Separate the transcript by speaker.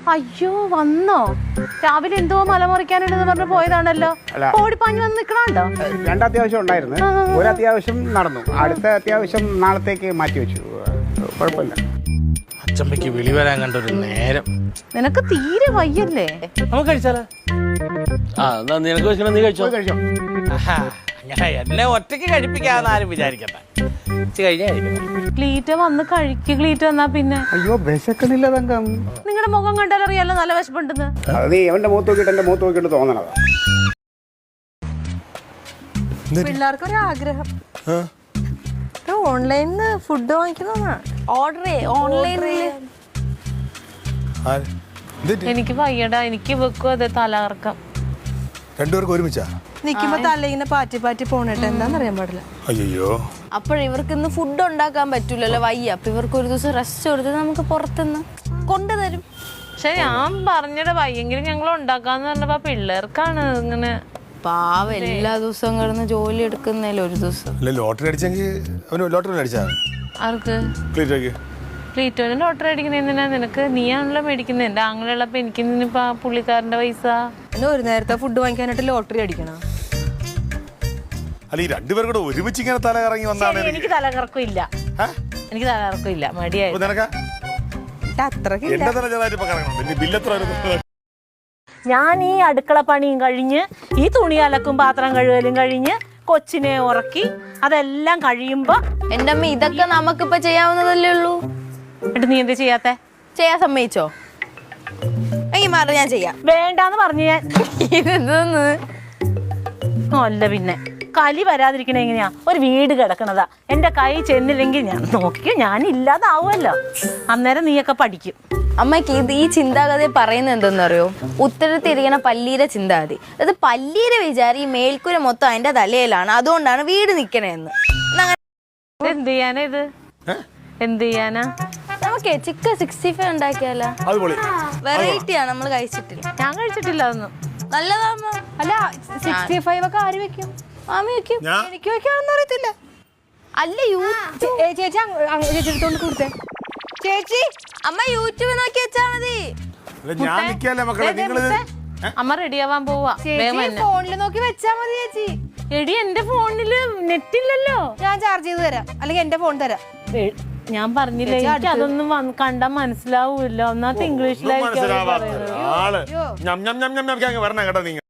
Speaker 1: അയ്യോ വന്നോ? രാവിലെ എന്തോ മലമുറിക്കാനുണ്ടെന്ന് പറഞ്ഞു പോയതാണല്ലോ. ഓടിപ്പാഞ്ഞു വന്ന് നിക്കണോ?
Speaker 2: രണ്ടത്യാവശ്യം ഉണ്ടായിരുന്നു. ഒരു അത്യാവശ്യം നടന്നു. അടുത്ത അത്യാവശ്യം നാളത്തേക്ക് മാറ്റി വെച്ചു. കുഴപ്പമില്ല.
Speaker 3: അച്ചമ്മയ്ക്ക് വിളി വരാൻ കണ്ടൊരു നേരം.
Speaker 1: നിനക്ക് തീരെ വയ്യല്ലേ?
Speaker 3: നമുക്ക് കഴിച്ചാലോ? നിനക്ക് വെച്ചിട്ട് നീ കഴിച്ചോ?
Speaker 2: കഴിച്ചോ?
Speaker 3: അങ്ങനെ എന്നെ ഒറ്റയ്ക്ക് കഴിപ്പിക്കാന്ന് ആരും വിചാരിക്കട്ടെ.
Speaker 1: ക്ലീറ്റ വന്ന് കഴിക്ക്. ക്ലീറ്റ വന്നാ പിന്നെ
Speaker 2: അയ്യോ വിശക്കണില്ല തങ്കം.
Speaker 1: നിങ്ങളുടെ മുഖം കണ്ടാലറിയാലോ നല്ല വിശപ്പുണ്ടെന്ന്.
Speaker 2: അത് നീ എവന്റെ മുഖത്ത് നോക്കിയിട്ട് എന്റെ മുഖത്ത് നോക്കിയിട്ട് തോന്നണതാ.
Speaker 4: പിള്ളേർക്കൊരു ആഗ്രഹം ഓൺലൈനിന്ന് ഫുഡ് വാങ്ങിക്കുന്നതാണ്.
Speaker 1: എനിക്ക് വയ്യടാ. എനിക്ക് വെക്കും അതെ തലകറക്കം.
Speaker 5: രണ്ടുപേർക്ക് ഒരുമിച്ചാ
Speaker 4: നിക്കുമ്പോ തലയിങ്ങനെ പാറ്റി പാറ്റി പോണേട്ടെ എന്താന്നറിയാൻ പാടില്ല.
Speaker 5: അയ്യോ
Speaker 6: അപ്പോഴിവർക്ക് ഇന്ന് ഫുഡ് ഉണ്ടാക്കാൻ പറ്റൂലല്ലോ, വയ്യ. അപ്പൊ ഇവർക്ക് ഒരു ദിവസം റെസ്റ്റ് കൊടുത്ത് നമുക്ക് പുറത്തുനിന്ന് കൊണ്ടുതരും.
Speaker 1: പക്ഷെ ഞാൻ പറഞ്ഞിട വയ്യെങ്കിലും ഞങ്ങൾ ഉണ്ടാക്കാന്ന് പറഞ്ഞപ്പോ പിള്ളേർക്കാണ് ഇങ്ങനെ.
Speaker 6: പാവ എല്ലാ ദിവസവും കിടന്ന് ജോലി എടുക്കുന്നതിൽ ഒരു ദിവസം.
Speaker 5: ലോട്ടറി അടിച്ചെങ്കിൽ അവന് ലോട്ടറി അടിച്ചാ
Speaker 1: ആർക്ക്?
Speaker 5: ക്ലീറ്റോയ്ക്ക്.
Speaker 1: ക്ലീറ്റോന് ലോട്ടറി അടിക്കുന്ന എന്തിനാ? നിനക്ക് നീയാണല്ലോ മേടിക്കുന്നത്. എന്റെ ആങ്ങളുള്ളപ്പോ എനിക്ക് ഇന്നിപ്പോ പുള്ളിക്കാരന്റെ പൈസ.
Speaker 4: പിന്നെ ഒരു നേരത്തെ ഫുഡ് വാങ്ങിക്കാനായിട്ട് ലോട്ടറി അടിക്കണം.
Speaker 5: അല്ല ഈ രണ്ടുപേരും കൂടെ ഒരുമിച്ച് ഇങ്ങനെ തല ഇറങ്ങി വന്നാണ്.
Speaker 1: എനിക്ക് തലകറക്കം ഇല്ല. എനിക്ക് തലകറക്കം ഇല്ല. മടിയായി.
Speaker 4: അത്രക്ക്
Speaker 5: എന്റെ തല ചെറുതായിട്ട് ഇപ്പൊ കറങ്ങണം. ബില്ലെത്ര?
Speaker 1: ഞാൻ ഈ അടുക്കള പണിയും കഴിഞ്ഞ് ഈ തുണി അലക്കും പാത്രം കഴുകലും കഴിഞ്ഞ് കൊച്ചിനെ ഉറക്കി അതെല്ലാം കഴിയുമ്പോ
Speaker 6: എന്റെ അമ്മ ഇതൊക്കെ നമുക്കിപ്പൊ ചെയ്യാവുന്നതല്ലേ ഉള്ളൂ.
Speaker 1: എന്നിട്ട് നീ എന്താ ചെയ്യാത്തെ?
Speaker 6: ചെയ്യാൻ സമ്മതിച്ചോ? എങ്കിൽ മാറി ഞാൻ ചെയ്യാം.
Speaker 1: വേണ്ടാന്ന് പറഞ്ഞു ഞാൻ.
Speaker 6: ഇതൊന്ന്
Speaker 1: അല്ല പിന്നെ കലി വരാതിരിക്കണ എങ്ങനെയാ? ഒരു വീട് കിടക്കണതാ. എന്റെ കൈ ചെന്നില്ലെങ്കിൽ ഞാൻ നോക്കിയോ ഞാൻ ഇല്ലാതാവുമല്ലോ. അന്നേരം നീയൊക്കെ പഠിക്കും.
Speaker 6: അമ്മയ്ക്ക് ഈ ചിന്താഗതി പറയുന്നത് എന്തെന്നറിയോ? ഉത്തരത്തിരിക്കണ പല്ലീരെ ചിന്താഗതി. അത് പല്ലീരെ വിചാരം ഈ മേൽക്കൂര മൊത്തം അതിന്റെ തലയിലാണ്, അതുകൊണ്ടാണ് വീട് നിക്കണേന്ന്.
Speaker 1: എന്ത് ചെയ്യാനാ ഇത്? എന്ത് ചെയ്യാനാ?
Speaker 6: നമുക്ക് ചിക്കൻ 65 ഉണ്ടാക്കിയാലോ? വെറൈറ്റിയാണ്, നമ്മൾ കഴിച്ചിട്ടില്ല.
Speaker 1: ഞാൻ കഴിച്ചിട്ടില്ല അതൊന്നും.
Speaker 6: നല്ലതാണോ?
Speaker 4: അല്ല 65 ഒക്കെ ആര് വെക്കും?
Speaker 6: മാമി വെക്കും.
Speaker 4: എനിക്ക് വെക്കാണെന്ന് അറിയത്തില്ല.
Speaker 6: അല്ല
Speaker 4: ചേച്ചി ചേച്ചിയെടുത്തോണ്ട് കൊടുത്തേ. ചേച്ചി
Speaker 6: അമ്മ യൂട്യൂബ് നോക്കി വെച്ചാ മതി.
Speaker 5: ഞാൻ നിൽക്കാല്ലേ മക്കളെ? നിങ്ങള്
Speaker 1: അമ്മ റെഡിയാവാൻ പോവാ.
Speaker 4: ഫോണിൽ നോക്കി വെച്ചാ മതി ചേച്ചി.
Speaker 1: എടി എന്റെ ഫോണില് നെറ്റ് ഇല്ലല്ലോ.
Speaker 4: ഞാൻ ചാർജ് ചെയ്ത് തരാം, അല്ലെങ്കിൽ എന്റെ ഫോൺ തരാം.
Speaker 1: ഞാൻ പറഞ്ഞില്ലേ എനിക്ക് അതൊന്നും കണ്ടാ മനസ്സിലാവൂല്ലോ. ഒന്നാമത്തെ ഇംഗ്ലീഷിലായിരിക്കും
Speaker 5: വരണം കേട്ടോ നിങ്ങൾ.